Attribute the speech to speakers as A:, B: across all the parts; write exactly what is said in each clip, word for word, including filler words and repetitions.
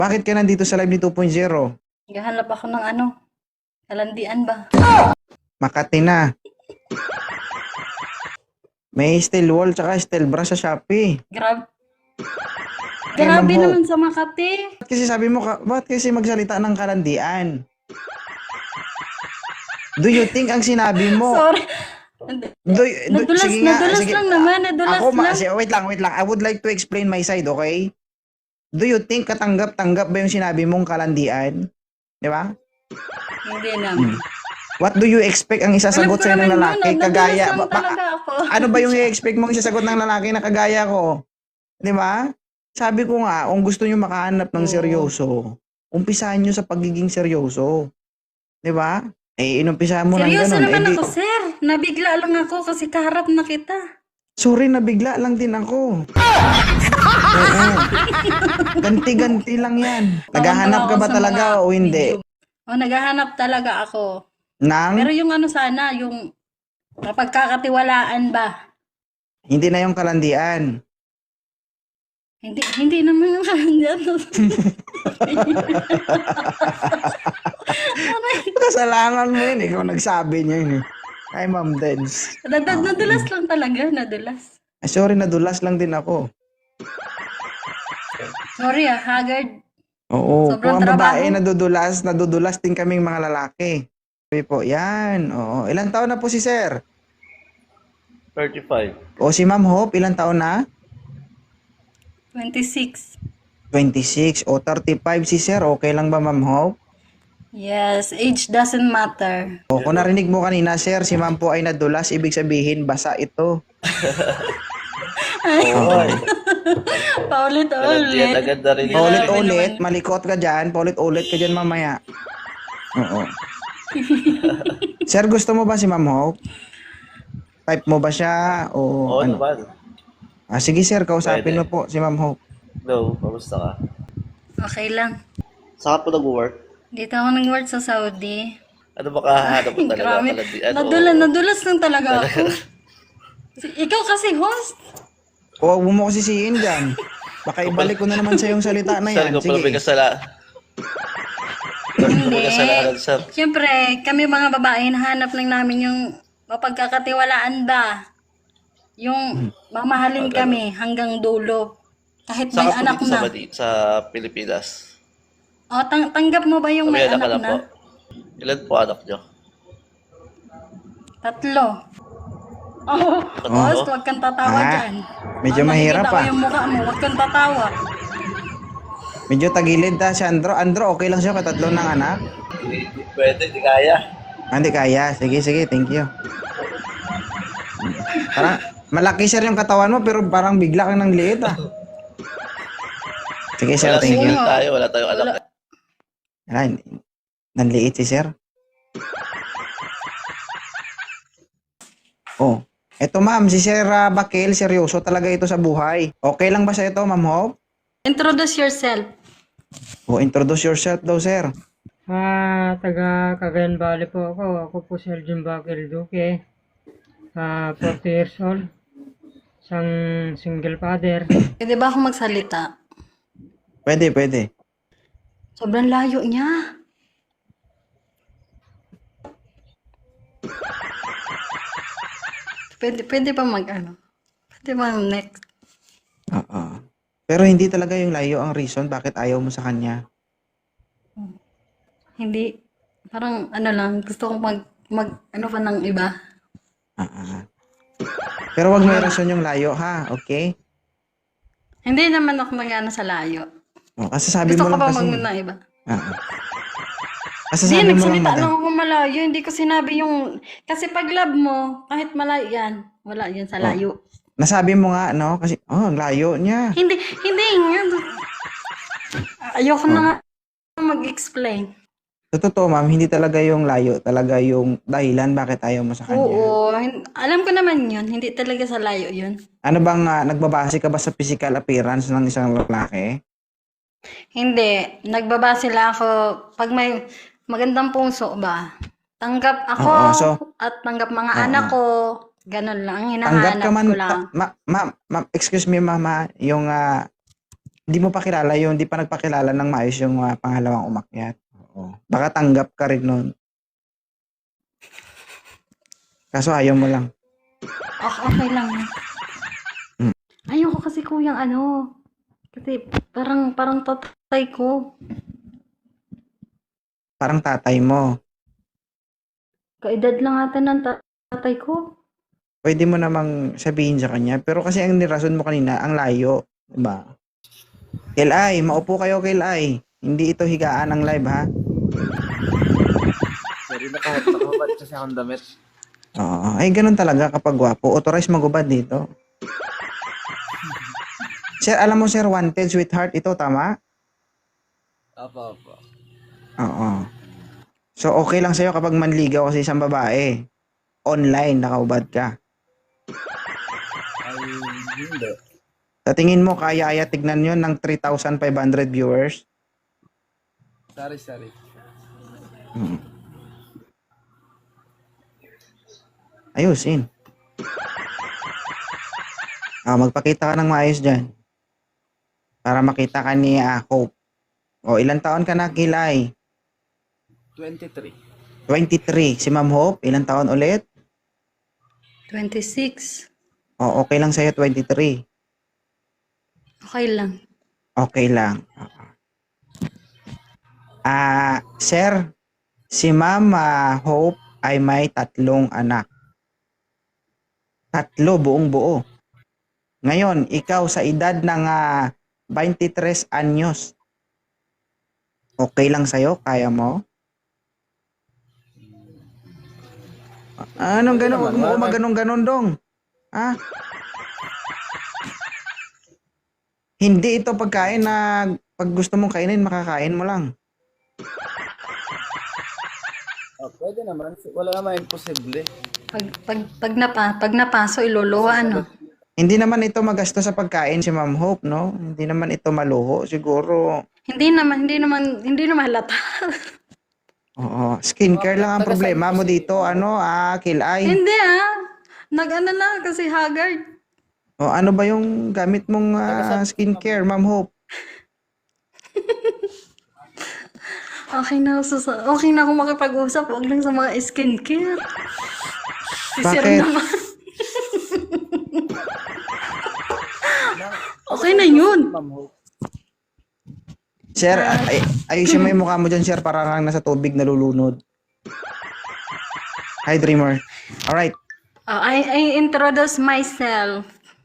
A: Bakit ka nandito sa live ni two point oh?
B: Naghahanap ako ng ano, kalandian ba?
A: Makati na. May steel wall tsaka steel bra sa Shopee.
B: Grab.
A: Eh,
B: Grabe
A: Ma'am Hope.
B: naman sa Makati.
A: Ba't kasi sabi mo, ka, bakit kasi magsalita ng kalandian? Do you think ang sinabi mo?
B: Sorry.
A: Do, y- do,
B: Nadulas,
A: sige nga,
B: nadulas
A: sige.
B: lang naman, nadulas
A: Ako, ma-
B: lang.
A: si- wait lang, wait lang. I would like to explain my side, okay? Do you think katanggap-tanggap ba yung sinabi mong kalandian? Di ba?
B: Hindi naman.
A: What do you expect ang isasagot
B: Alam ko
A: sa'yo ng
B: naman
A: lalaki?
B: yun, nadulas
A: Kagaya,
B: lang
A: ba- ba-
B: talaga ako.
A: ano ba yung i-expect mong isasagot ng lalaki na kagaya ko? Di ba? Sabi ko nga, kung gusto nyo makahanap ng
B: Oo.
A: seryoso, umpisahan nyo sa pagiging seryoso. Di ba? Eh, inumpisahan mo ng
B: Seryoso
A: ganun.
B: naman
A: Eh, di-
B: ako, sir. Nabigla lang ako kasi kaharap na kita.
A: sorry, nabigla lang din ako. Oo. Ganti-ganti lang yan. Naghahanap ka
B: Tawa-tawa
A: ba
B: ako sa
A: talaga
B: mga
A: o hindi?
B: video. O, naghahanap talaga ako.
A: Nang,
B: Pero yung ano sana, yung kapagkakatiwalaan ba?
A: hindi na yung kalandian.
B: Hindi, hindi naman yung kanyan.
A: Kasalanan mo yun. Ikaw nagsabi niya yun eh. Ay, Ma'am Dens.
B: Nadad, nadulas lang talaga, nadulas.
A: Ay, sorry, nadulas lang din ako.
B: Sorry ah, haggard.
A: Oo.
B: Sobrang
A: Kung ang babae
B: trabaho.
A: nadudulas, nadudulas din kaming mga lalaki. Sabi po, yan. Oo. Ilang taon na po si Sir?
C: thirty-five.
A: O si Ma'am Hope, ilang taon na?
B: twenty-six.
A: twenty-six. O thirty-five si Sir. Okay lang ba, Ma'am Hope?
B: Yes, age doesn't matter.
A: O kung narinig mo kanina, Sir, si Ma'am po ay nadulas, ibig sabihin, basa ito.
C: Oo. Kalandian
B: Paulit-ulit.
C: agad na rin.
A: Paulit-ulit, malikot ka dyan, paulit-ulit ka dyan mamaya. Oo. Sir, gusto mo ba si Ma'am Hope? Type mo ba siya? O
C: Oo
A: ano?
C: naman.
A: Ah, sige sir, kausapin mo
C: Pwede.
A: po si Ma'am Hope.
C: Hello, kamusta ka?
B: Okay lang.
C: Saan ka po nag-work?
B: Dito ako nag-work sa Saudi.
C: Ano ba kahanap mo talaga?
B: Grabe.
C: Kalandian?
B: Nadulas, nadulas lang talaga ako. Ikaw kasi host.
A: O, huwag mo kasi siyin dyan. Baka ibalik ko na naman sa yung salita na
C: Sir,
A: yan.
C: ko pala may
A: Sige.
C: kasala. May kasalanan, sir.
B: Siyempre, kami mga babae, nahanap lang namin yung mapagkakatiwalaan ba? Yung mamahalin
C: Ah,
B: kami hanggang dulo. Kahit
C: Saan
B: may
C: ka po
B: anak
C: dito sa,
B: na.
C: Madi- sa Pilipinas?
B: O, tang- tanggap mo ba yung may
C: May anak ka
B: anak
C: na
B: na?
C: po. Ilan po anak nyo?
B: Tatlo. Oh, host, huwag kang tatawa
A: Ah,
B: dyan.
A: medyo
B: Ah,
A: mahirap
B: nakikita ko
A: ah.
B: yung mukha mo, huwag kang tatawa.
A: Medyo tagilid ta si Andro. Andro, okay lang siya katatlo ng anak?
C: Pwede, di kaya.
A: Ah, Hindi kaya. Sige, sige. Thank you. Parang, malaki sir yung katawan mo, pero parang bigla kang nang liit ah. Sige sir,
C: Wala
A: thank you.
C: single tayo, wala tayong anak.
B: Wala.
A: Ay, nanliit si sir. Oh, eto ma'am, si Sir ah, Bakil, seryoso talaga ito sa buhay. Okay lang ba sa ito, Ma'am Hope?
B: Introduce yourself.
A: O, introduce yourself daw, sir.
D: Ah, taga Cagayan Valley po ako. Ako po si Elgin Bakil Duque. Ah, forty years old. Isang single father.
B: Pwede ba ako magsalita?
A: Pwede, pwede.
B: Sobrang layo niya. Pwede, pwede pa mag ano? Pwede ba next?
A: Oo. Pero hindi talaga yung layo ang reason bakit ayaw mo sa kanya.
B: Hindi, parang ano lang, gusto kong mag, mag ano pa ng iba.
A: Ah, ah. Pero wag mo i-rason yung layo, ha? Okay?
B: Hindi naman ako mag-ano sa layo.
A: O, kasi sabi
B: Gusto
A: mo
B: ko
A: lang
B: pa
A: kasi.
B: mag ng iba.
A: Ah, ah. Kasi
B: Hindi,
A: sabi mo lang,
B: nagsalita
A: madam.
B: lang ako malayo. Hindi ko sinabi yung, kasi pag love mo, kahit malayo yan, wala yan sa layo.
A: Nasabi mo nga, no? Kasi, oh, ang layo niya.
B: Hindi, hindi nga. Ayoko na nga mag-explain.
A: Sa totoo, ma'am, hindi talaga yung layo. Talaga yung dahilan bakit ayaw mo sa kanya.
B: Oo, hin- alam ko naman yun. Hindi talaga sa layo yun.
A: Ano bang, ah, nagbabase ka ba sa physical appearance ng isang lalaki?
B: Hindi, nagbabase lang ako pag may magandang puso ba. Tanggap ako
A: Oo, so-
B: at tanggap mga
A: Oo.
B: anak ko. Ganun lang, ang
A: Tanggap
B: hinahanap
A: ka man,
B: ko lang.
A: ta- ma- ma'am, ma'am, excuse me, mama, yung, ah, Hindi mo pa kilala yun, hindi pa nagpakilala ng maayos yung ah, pangalawang umakyat. Oo. Baka tanggap ka rin nun. Kaso ayaw mo lang.
B: Okay, okay lang.
A: Hmm.
B: Ayoko kasi kuyang ano. Kasi parang parang tatay ko.
A: Parang tatay mo.
B: Kaedad lang ata ng ta- tatay ko.
A: Pwede mo namang sabihin sa kanya. Pero kasi ang nirason mo kanina, ang layo. Diba? Kilay, maupo kayo Kilay. Hindi ito higaan ng live ha.
E: Sorry, naka- nakahubad kasi akong damit.
A: Oo. Ay, ganun talaga kapag gwapo. Authorize magubad dito. Sir, alam mo sir, wanted sweetheart ito, tama?
E: Apo, apo.
A: Oo. So, okay lang sa'yo kapag manligaw kasi isang babae. Online, nakaubad ka.
E: Ay, hindi.
A: Sa tingin mo, kaya-aya tignan yun ng three thousand five hundred viewers?
E: Sorry, sorry.
A: Hmm. Ayusin. Ah, magpakita ka ng maayos dyan. Para makita ka ni ah, Hope. O, ilang taon ka na, Kilay?
E: twenty-three.
A: twenty-three. Si Ma'am Hope, ilang taon ulit?
B: twenty-six.
A: O, okay lang sa'yo, twenty-three.
B: Okay lang.
A: Okay lang. Oo. Ah, sir, si Ma'am ah, Hope ay may tatlong anak. Tatlo, buong buo. Ngayon, ikaw sa edad ng ah, twenty-three anyos. Okay lang sa'yo? Kaya mo? Ah, Anong
E: Pwede
A: gano'n?
E: naman,
A: Huwag mo
E: wala
A: ko
E: na-
A: maganon-ganon dong. Ha? Hindi ito pagkain na pag gusto mong kainin, makakain mo lang.
E: Oh, pwede naman. Wala naman imposible.
B: Pag pag pag napa, pag napaso iluluwa ano.
A: Hindi naman ito magasto sa pagkain si Ma'am Hope, no? Hindi naman ito maluho. Siguro,
B: Hindi naman hindi naman hindi naman halata.
A: oo, skincare lang ang
E: Taga-
A: problema mo
E: taga-
A: dito. Ano, ah, kilay.
B: Hindi ah. Nag-ano lang kasi haggard.
A: O ano ba yung gamit mong ah, skincare, Ma'am Hope?
B: Okay na ako sa, okay na ako makipag-usap, wag lang sa mga skincare. Si Sir
A: Bakit?
B: naman. Okay na yun.
E: Ma'am Hope.
A: Sir, ay, ayusin mo yung mukha mo dyan, sir, para kang nasa tubig nalulunod. Hi, Dreamer. Alright.
B: Uh, I, I introduce myself.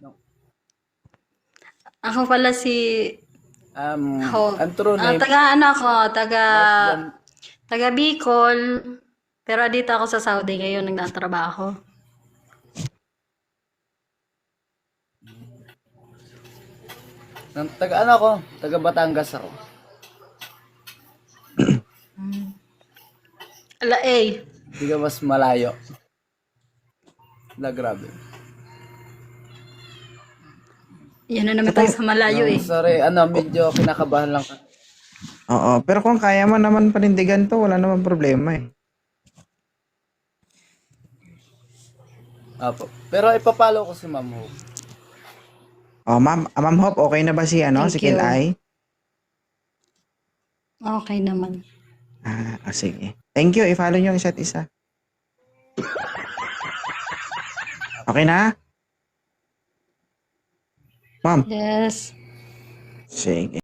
B: Ako pala si
E: Um,
B: Ho.
E: ang true
B: Ah,
E: name,
B: taga ano ako, taga
E: Less
B: taga Bicol. Pero dito ako sa Saudi ngayon nagtatrabaho.
E: ng, taga ano ako? Taga Batangas ako.
B: Ala eh.
E: Hindi ka mas malayo. Na grabe.
B: Yan na naman tayo sa malayo
E: No,
B: eh.
E: sorry, ano, medyo kinakabahan lang. ka-
A: Oo, pero kung kaya mo naman panindigan to, wala naman problema eh.
E: Apo. Pero ipapalo ko si Ma'am Hope.
A: Oh, ma'am, ah, Ma'am Hope, okay na ba si ano,
B: Thank
A: si
B: you.
A: Kilay?
B: Okay naman.
A: Ah, ah, sige. Thank you, i-follow nyo ang isa't isa. Okay na? Ma'am,
B: Yes.
A: sige.